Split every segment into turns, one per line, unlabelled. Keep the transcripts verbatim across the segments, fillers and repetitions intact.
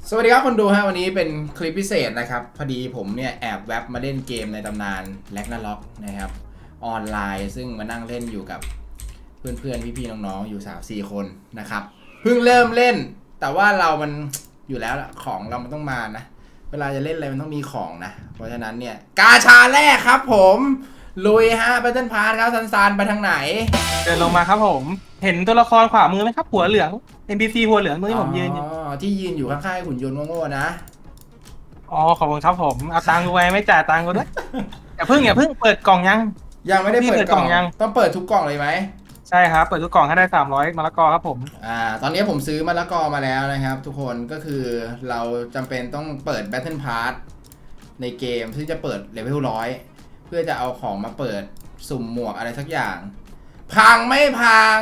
สวัสดีครับคนดูฮะวันนี้เป็นคลิปพิเศษนะครับพอดีผมเนี่ยแอบแวบมาเล่นเกมในตำนานแร็กนาร็อกนะครับออนไลน์ซึ่งมานั่งเล่นอยู่กับเพื่อนๆพี่ๆน้องๆอยู่ สามสี่ คนนะครับเพิ่งเริ่มเล่นแต่ว่าเรามันอยู่แล้วของเรามันต้องมานะเวลาจะเล่นอะไรมันต้องมีของนะเพราะฉะนั้นเนี่ยกาชาแรกครับผมลุยฮะแบทเทิลพาสครับซันๆไปทางไหน
เดินลงมาครับผมเห็นตัวละครขวามือไหมครับหัวเหลือง เอ็น พี ซี หัวเหลืองตรงที่ผมยืนอยู่
อ๋อที่ยืนอยู่ข้างๆหุ่นยนต์โง่ๆนะ
อ๋อขอบคุณครับผมเอาตังค์กูไว้ไม่จ่ายตังค์กูด้วยอย่าเพิ่งอย่าเพิ่งเปิดกล่องยัง
ยังไม่ได้
พี่
เปิดกล่อง
เปิดกล่องยัง
ต้องเปิดทุกกล่องเลยไหม
ใช่ครับเปิดทุกกล่องให้ได้สามร้อยมะละกอครับผม
อ่าตอนนี้ผมซื้อมะละกอมาแล้วนะครับทุกคนก็คือเราจำเป็นต้องเปิด Battle Pass ในเกมซึ่งจะเปิดเลเวลร้อยเพื่อจะเอาของมาเปิดสุ่มหมวกอะไรสักอย่าง พังไม่พัง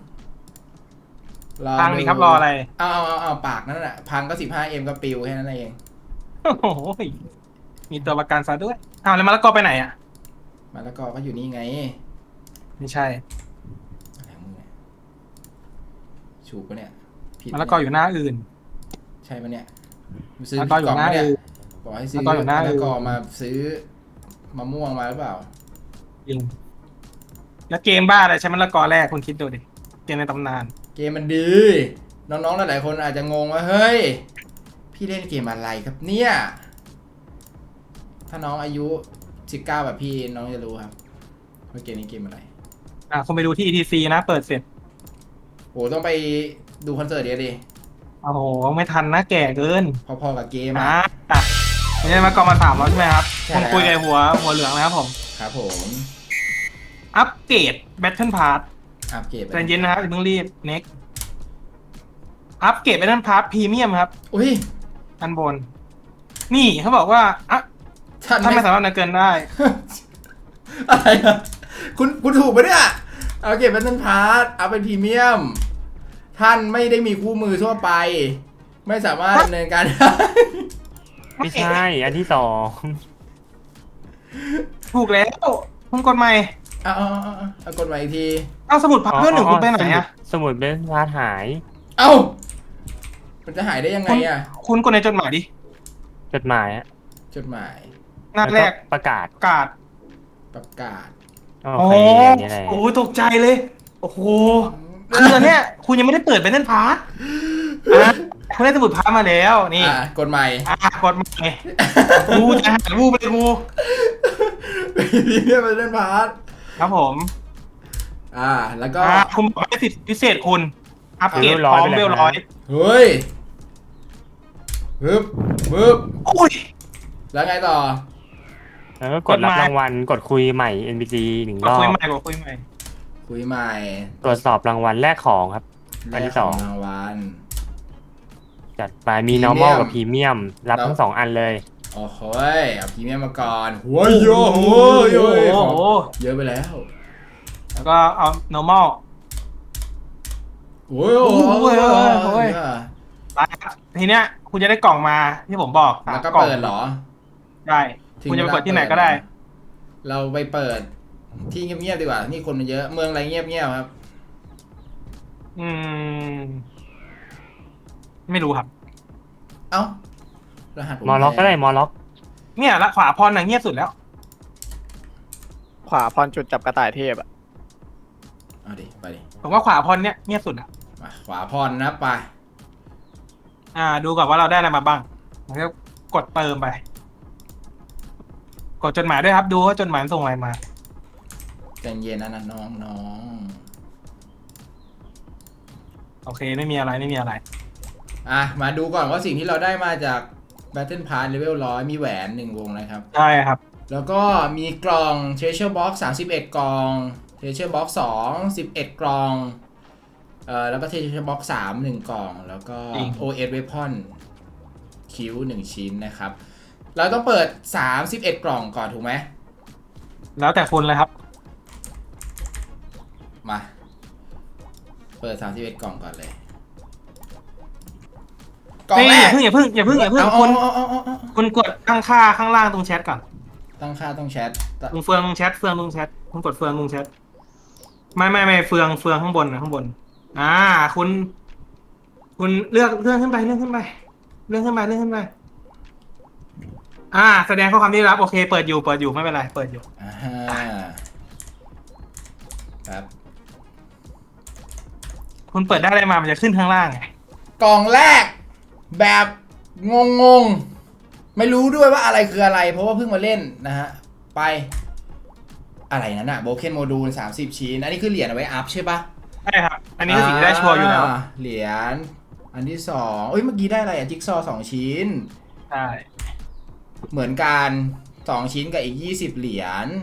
รอ
ตังค์ดีครับรออะไร
เอาเอาเอาเอาปากนั่นแหละพังก็ สิบห้าเอ็ม ก็ปิวแค่นั้นเอง
โอ้โหมีตัวประกันซะด้วยอ้าวแล้วมะละกอไปไหนอ่ะ
มะละกอก็อยู่นี่ไง
ไม่ใช่
อะไรของมึงเนี่ยถูกปะเนี่ยผิด
มะ
ปะเนี่ย
ละกออยู่หน้าอื่น
ใช่ปะเนี่ยซื้อ
มะละก
ผิ
ออยู่หน้า
ดกล่องปะเนี่ย
อื่น
บอกให้
มะ
ซื้อ
ละกออยู่หน้า
มะละ
อื่น
กอมาซื้อมะม่วงมาหรือเปล่า
จริงแล้วเกมบ้าอะไรใช้มะละกอแรกคุณคิดดูดิเกมในตำนาน
เกมมันดี น้องๆหลายๆคนอาจจะงงว่าเฮ้ยพี่เล่นเกมอะไรครับเนี่ยถ้าน้องอายุสิบเก้าแบบพี่น้องจะรู้ครับว่าเกมนี้เกมอะไร
อ่ะคุณไปดูที่ อี ที ซี นะเปิดเสร็จ
โหต้องไปดูคอนเสิร์ตเดียวดิ
โอ้โหไม่ทันนะแก่เกิน
พอๆกับเกม
อ่
อ่ะ
าไม่ได้มากองมาสามร้อยใช่ไหมครับ
ใช่
ผม
แล้ว
คุยกับหัวหัวเหลืองนะครับผม
ครับผม
อัปเกรด Battle Pass
อัปเกรดไป
ใจเย็นนะครับอย่าเพิ่งรีบ next อัปเกรด Battle Pass พรีเมียมครับ
อุ้ย
อันบน นี่เขาบอกว่าอ่ะ
ท่าน
ถ้า
ไม่
ไม่สามารถเกินได้
อะไรอะคุณคุณถูกปะเนี่ยเอาเก็บเป็นต้นพาร์ทเอาเป็นพรีเมียมท่านไม่ได้มีคู่มือทั่วไป ไม่สามารถดำเนินการได้
ไม่ใช่ อันที่สอง
ถูกแล้วคุณกดใหม่
เอาเอาเอาเอาเอากดใหม่อีกที
เอาสมุดพับเพื่อนหนึ่งคุณไปไหนอะ
สมุดเป็นพาร์ทหาย
เอ้ามันจะหายได้ยังไง
คุณ
อะ
คุณกดในจดหมายดิ
จดหมายอะ
จดหมาย
หน้าแรก
ล้วประกาศ
กาด
ประกาศ
โอเคอันนี้แหละ
โอ้โหตกใจเลย โอ้โหคือตอนเนี้ยคุณยังไม่ได้เปิด Battle Pass อ่ะคุณได้สมุดพับมาแล้วนี่
อ่ะกดใหม่
อ่ะกดใหม่กูจะหารูปไปกู
พรีเมียมเป็นต้นพาร์ท
ครับผม
อ่าแล้วก็
อ่ะคุณบอกให้สิทธิพิเศษคุณ อัปเกรดพร้อมเบลร้อย
เฮ้ยปึ๊บปึ๊บ
อุ้ย
แล้วไงต่อ
แล้วก็กดรับรางวัลกดคุยใหม่ เอ็น พี ซี หนึ่ง
ก
ร
ด
อ
คุย
บ
ใหม่กดคุยใหม่
คุยใหม่
ตรวจสอบรางวัลแลกของครับ อันที่สอง
ได้ขรางวัล
จัดไปมี
Premium
normal กับ premium รับ
แล้ว
ทั้งสองอันเลย
โอ้โหยเอาพรีเมียมมาก่อนหัวโยหัวโย
โอ้
ของ
โห
เยอะไปแล้ว
แล้วก็เอา normal
โอ้ยโอ้
โอ้ยโอ้ยโอ้ย
ย
ไปครับทีเนี้ยคุณจะได้กล่องมาที่ผมบอก
แล้วก็
ล่อง
เปิดเหรอ
ได้คุณจะไปเปิดที่ไหนก็ได้
เราไปเปิดที่เงียบๆดีกว่านี่คนมันเยอะเมืองอะไรเงียบๆครับ
อืม ไม่รู้ครับ
เอ้ารหัสผม
มอล็อกก็ได้มอล็อก
เนี่ยละขวาพรน่ะเงียบสุดแล้ว
ขวาพรจุดจับกระต่ายเทพอะ
เอาดิไปดิ
ผมว่าขวาพรเนี่ยเงียบสุดอ่ะ
มาขวาพรนะไป
อ่า ดูก่อนว่าเราได้อะไรมาบ้างแล้วก็กดเติมไป กดจดหมายด้วยครับ ดูว่าจดหมายส่งอะไรมา
ใจเย็นนะนะน้องน้อง
โอเคไม่มีอะไรไม่มีอะไร
อ่ะมาดูก่อนว่าสิ่งที่เราได้มาจาก Battle Pass Level ร้อยมีแหวนหนึ่งวงนะครับ
ใช่ครับ
แล้วก็มีกล่อง Treasure Box สามสิบเอ็ดกล่อง Treasure Box สอง สิบเอ็ดกล่องเอ่อแล้วก็ Treasure Box สาม หนึ่งกล่อง แล้วก็
จริง
โอ เอส Weapon คิ้วหนึ่งชิ้นนะครับ เราต้องเปิดสามสิบเอ็ดกล่องก่อนถูกไหม
แล้วแต่คุณเลยครับ
มา เปิดสามสิบเอ็ดกล่องก่อนเลยกล่อง
นี่
แร
อก ย่าเพิ่งอย่าเพิ่งอย่าเพิ่งอย่าเพิ่ง
เอา
คุณ
เอาเอาเอาเอา
คุณกดตั้งค่าข้างล่างตรงแชทก่อน
ตั้งค่าต้องแชท
ตรงเฟืองตรงแชทเฟืองตรงแชทคุณกดเฟืองตรงแชทไม่ไม่ไม่เฟืองเฟืองข้างบนนะข้างบน อ่า คุณ คุณเลือกเลื่อนขึ้นไปเลื่อนขึ้นไปเลื่อนขึ้นมาเลื่อนขึ้นมาอ่า แสดงข้อความที่รับโอเคเปิดอยู่เปิดอยู่ไม่เป็นไรเปิดอยู่
อ่าฮะครับ
คุณเปิดได้อะไรมามันจะขึ้นข้างล่างไง
กล่องแรกแบบงงงๆไม่รู้ด้วยว่าอะไรคืออะไร เพราะว่าเพิ่งมาเล่นนะฮะไปอะไรนั่นอะโบเคนโมดูลสามสิบชิ้นอันนี้คือเหรียญเอาไว้อัพใช่ปะ
ใช่ครับ อันนี้คือสิ่งที่ได้ชัวร์อยู่แล้ว
าเหรียญอันที่สองเอ้ยเมื่อกี้ได้อะไรอะจิ๊กซอว์สองชิ้น
ใช่
เหมือนกันสองชิ้นกับอีกยี่สิบเหรียญ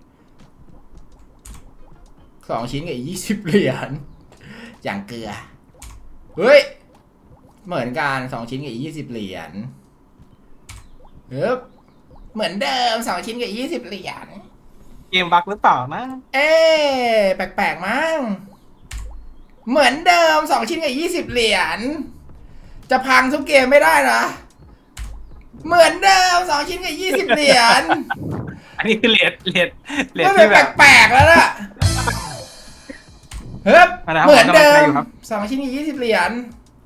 สองชิ้นกับอีกยี่สิบเหรียญอย่างเกลือเฮ้ยเหมือนกันสองชิ้นกับอีกยี่สิบเหรียญเฮ้ยเหมือนเดิมสองชิ้นกับยี่สิบเหรียญ
เกมบั๊กหรือเปล่านะ
เอ๊ะแปลกๆมั้งเหมือนเดิมสองชิ้นกับยี่สิบเหรียญจะพังทุกเกมไม่ได้นะเหมือนเดิมสองชิ้นกับยี่สิบเหรียญ
อันนี้คือเลทเลทเลท
มัน
ที่
เป็น
แบบ
แปลกๆแล้วล่ะเฮ้ย
มาแล้ว
เหมือนเดิม
ผมกำลังใจอยู่ครับ
สองชิ้นกับยี่สิบเหรียญ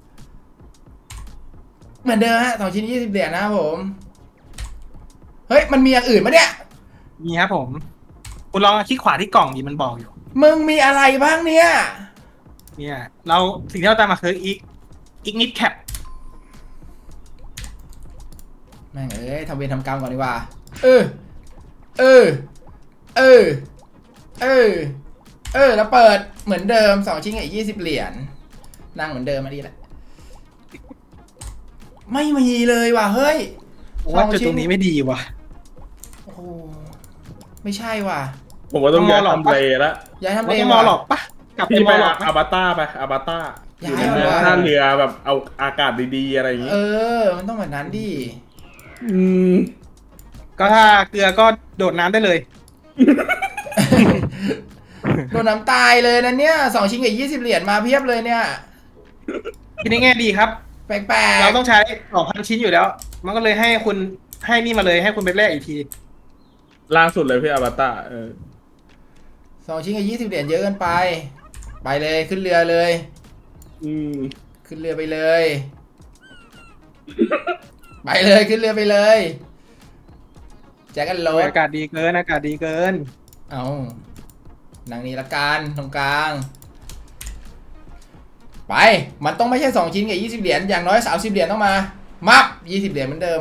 เหมือนเดิมฮะสองชิ้นยี่สิบเหรียญนะครับผมเฮ้ยมันมีอย่างอื่นปะเนี่ย
มีครับผม คุณลองคลิกขวาที่กล่องดีมันบอกอยู่
มึงมีอะไรบ้างเนี่ย
เนี่ย เราสิ่งที่เราตามมาคืออีกอีกนิดแคป
แม่งเอ้ยทำเวรทำกรรมก่อนดีกว่า เออ เออ เออ เออ เออ แล้วเปิดเหมือนเดิมสองชิ้นกับยี่สิบเหรียญ นั่งเหมือนเดิมมาดีแหละ ไม่มีเลยว่ะ เฮ้ย
ว่าจุดตรงนี้ไม่ดีว่ะ
โอ้โหไม่ใช่ว่ะ
ผมว่าต้องย้าย
ต้องมอหรอก
ทำเลแล้ว
ย้ายทำ
เรา
เล
ต้องมอ
ว่ะ
หลอกปะกลับไป
พี่
ม
ไป
อหลอก
อาบาต้าไปอาบาต้าอ
ย้าย
ยู่ใน
เหรอ
ท่าเรือแบบเอาอากาศดีๆอะไรอย่างงี้
เออ มันต้องแบบนั้นดิ
อืม
ก็ถ้าเกลือก็โดดน้ำได้เลย
โดนน้ำตายเลยนะเนี่ยสองชิ้นกับยี่สิบเหรียญมาเพียบเลยเนี่ย
คิดในแง่ดีครับ
แปลก
เราต้องใช้สองพันชิ้นอยู่แล้ว มันก็เลยให้คุณให้นี่มาเลยให้คุณไปแลกอีกที
ล่าสุดเลยพี่อาบาต้าเออ
ๆสองชิ้นกับยี่สิบเหรียญเยอะเกินไป ไปเลยขึ้นเรือเลย
อืม
ขึ้นเรือไปเลย ไปเลยขึ้นเรือไปเลยแจ็คกันโรด
อากาศดีเกินอากาศดีเกิน
เอานางนี้ละกันตรงกลาง ไป มันต้องไม่ใช่สองชิ้นกับยี่สิบเหรียญ อย่างน้อยสามสิบเหรียญต้องมา มับยี่สิบเหรียญเหมือนเดิม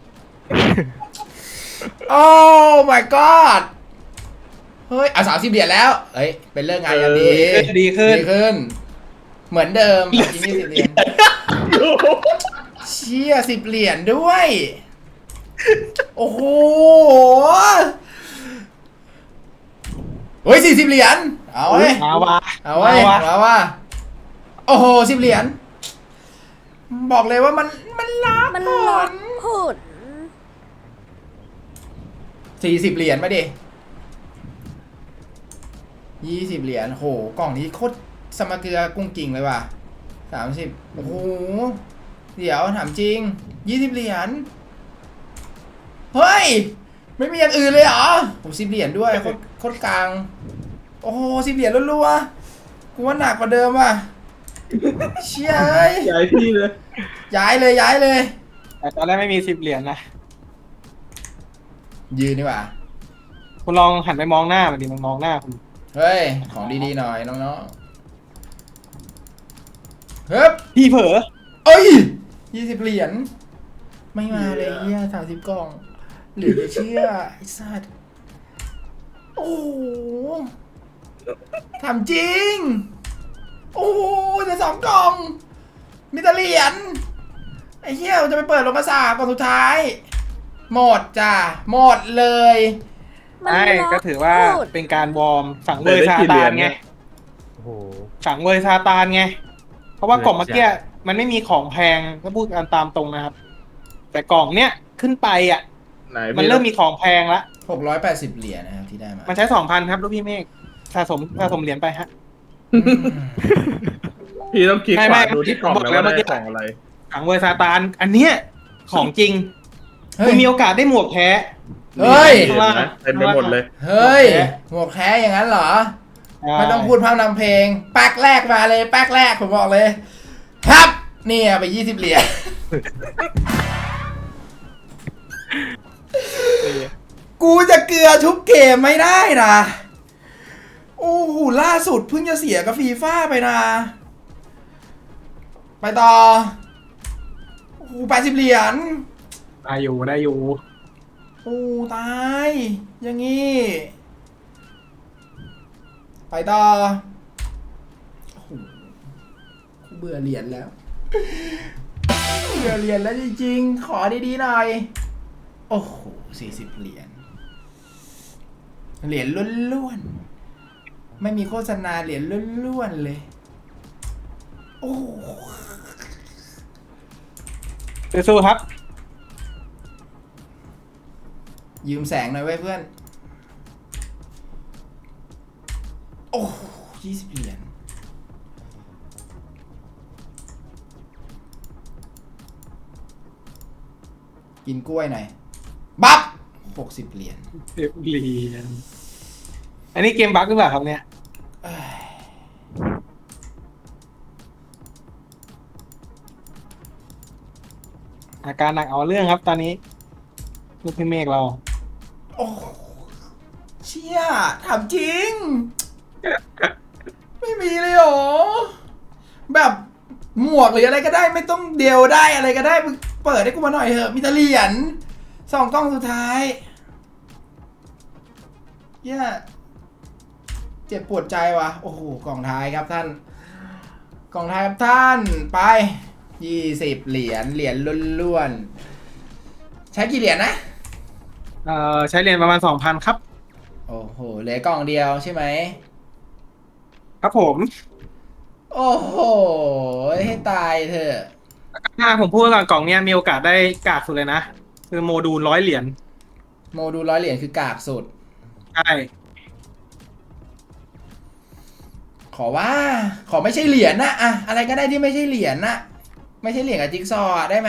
โอ้ my god เฮ้ยเอาสามสิบเหรียญแล้ว เฮ้ย เป็นเรื่องงานอย่างดี
ดีขึ้น
ดีขึ้น เหมือนเดิมสองชิ้นยี่สิบเหรียญ เชี่ยสิบเหรียญด้วย โอ้โห เฮ้ยสี่สิบเหรียญ เอาเว้ย
มาว่ะ
เอาเว้ย
มาว่ะ
เอาว่า โอ้โหสิบเหรียญ บอกเลยว่ามันมันลับ
มัน
ผ
ล
ล
ดผล
สี่สิบเหรียญมาดิยี่สิบเหรียญโหกล่องนี้โคตรสมเกลือกุ้งกิ่งเลยว่ะสามสิบโอ้โหเดี๋ยวถามจริงยี่สิบเหรียญเฮ้ยไม่มีอย่างอื่นเลยเหรอผมสิบเหรียญด้วยโคตรโคตรกลางโอ้โหสิบเหรียญรัวๆกูว่าหนักกว่าเดิมว่ะเชี่ยเอ้ย
ย้ายที่เลย
ย้ายเลยย้ายเลย
แต่ตอนแรกไม่มีสิบเหรียญนะ
ยืนดีกว่า
คุณลองหันไปมองหน้ามันดิมันมองหน้าคุณ
เฮ้ยของดีๆหน่อยน้องๆเฮ้ย
พี่เผลอ
เอ้ยยี่สิบเหรียญไม่มาเลยเฮียสามสิบกล่องหรือจะเชื่อไอ้สัตว์โอ้โหทำจริง โอ้โหแต่สองกล่อง มีแต่เหรียญไอ้เหี้ยมันจะไปเปิดโรงกระสาบกล่องสุดท้าย หมดจ้ะหมดเลย
มัน
ใช่
ลด
ก็ถือว่า
พูด
เป็นการวอร์มสังเวยซาตานไง
โอ้โห
สังเวยซาตานไง เพราะว่ากล่องเมื่อกี้มันไม่มีของแพงถ้าพูดกันตามตรงนะครับ แต่กล่องเนี้ยขึ้นไปอ่ะ
ไหน
มัน
พี่
เริ่มมีของแพงละ
หกร้อยแปดสิบเหรียญนะครับที่ได้มา
มันใช้สองพันครับลูกพี่เมฆสะสมสะสมเหรียญไปฮะ
อืม
พี่ต้องคลิก
ไม่
ข
ไม่
วาดูที่กล่อง
บอก
นะ
แล้ว
ว่า
เมื่อกี้
ได้ของอะไร
สังเวยซาตาน อันเนี้ยของจริง
เฮ้
คุ
ย
ณมีโอกาสได้หมวกแท้
เฮ้ย
เห็นไหมเต็มไปหมดเลย
เฮ้ยหมวกแท้อย่างนั้นเหรอ ไม่ต้องพูดพร่ำนำเพลงแป๊กแรกมาเลยแป๊กแรกผมบอกเลย ครับเนี่ยไปยี่สิบเหรียญกูจะเกลือทุกเกมไม่ได้นะโอ้โหล่าสุดเพิ่งจะเสียกับฟีฟ่าไปนะ ไปต่อโอ้โหแปดสิบเหรียญ
ได้อยู่ได้อยู่
โอ้ตาย อย่างงี้ ไปต่อโอ้โหกูเบื่อเหรียญแล้ว เบื่อเหรียญแล้วจริงๆ ขอดีๆหน่อย โอ้โหสี่สิบเหรียญ เหรียญล้วนๆ ไม่มีโฆษณาเหรียญล้วนๆเลย โอ้โห
สู้ๆครับ
ยืมแสงหน่อยเว้ยเพื่อน โอ้ยี่สิบเหรียญ กินกล้วยหน่อย บัฟหกสิบเหรียญ
เรียบเรียนอันนี้เกมบั๊กหรือเปล่าครับเนี่ย
เอ้ย
อาการหนักเอาเรื่องครับตอนนี้ลูกพี่เมฆเรา
โอ้เชี่ยถามจริง ไม่มีเลยเหรอ แบบหมวกหรืออะไรก็ได้ไม่ต้องเดียวได้อะไรก็ได้มึงเปิดให้กูมาหน่อยเถอะมีแต่เหรียญสองกล้องสุดท้ายเหี้ยเจ็บปวดใจว่ะโอ้โหกล่องท้ายครับท่านกล่องท้ายครับท่านไปยี่สิบเหรียญเหรียญล้วนๆใช้กี่เหรียญนะ
เอ่อใช้เหรียญประมาณสองพันครับ
โอ้โหเหลือกล่องเดียวใช่ไหม
ครับผม
โอ้โหให้ตายเถอะ
ถ้าผมพูดก่อนกล่องเนี้ยมีโอกาสได้กากสุดเลยนะคือโมดูลร้อยเหรียญ
โมดูลร้อยเหรียญคือกากสุด
ใช่
ขอว่า ขอไม่ใช่เหรียญนะอะอะไรก็ได้ที่ไม่ใช่เหรียญนะไม่ใช่เหรียญกับจิ๊กซอว์อะได้ไหม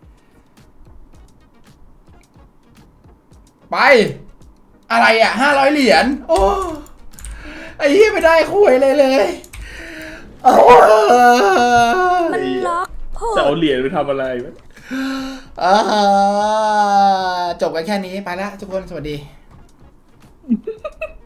ไป อะไรอ่ะห้าร้อยเหรียญโอ้ไอ้เหี้ยไม่ได้คุยเลยเลยโอ้
มันล็อกผ
จะเอา
ม
เหรียญไปทำอะไรวะ
อ่าจบกันแค่นี้ไปละทุกคนสวัสดี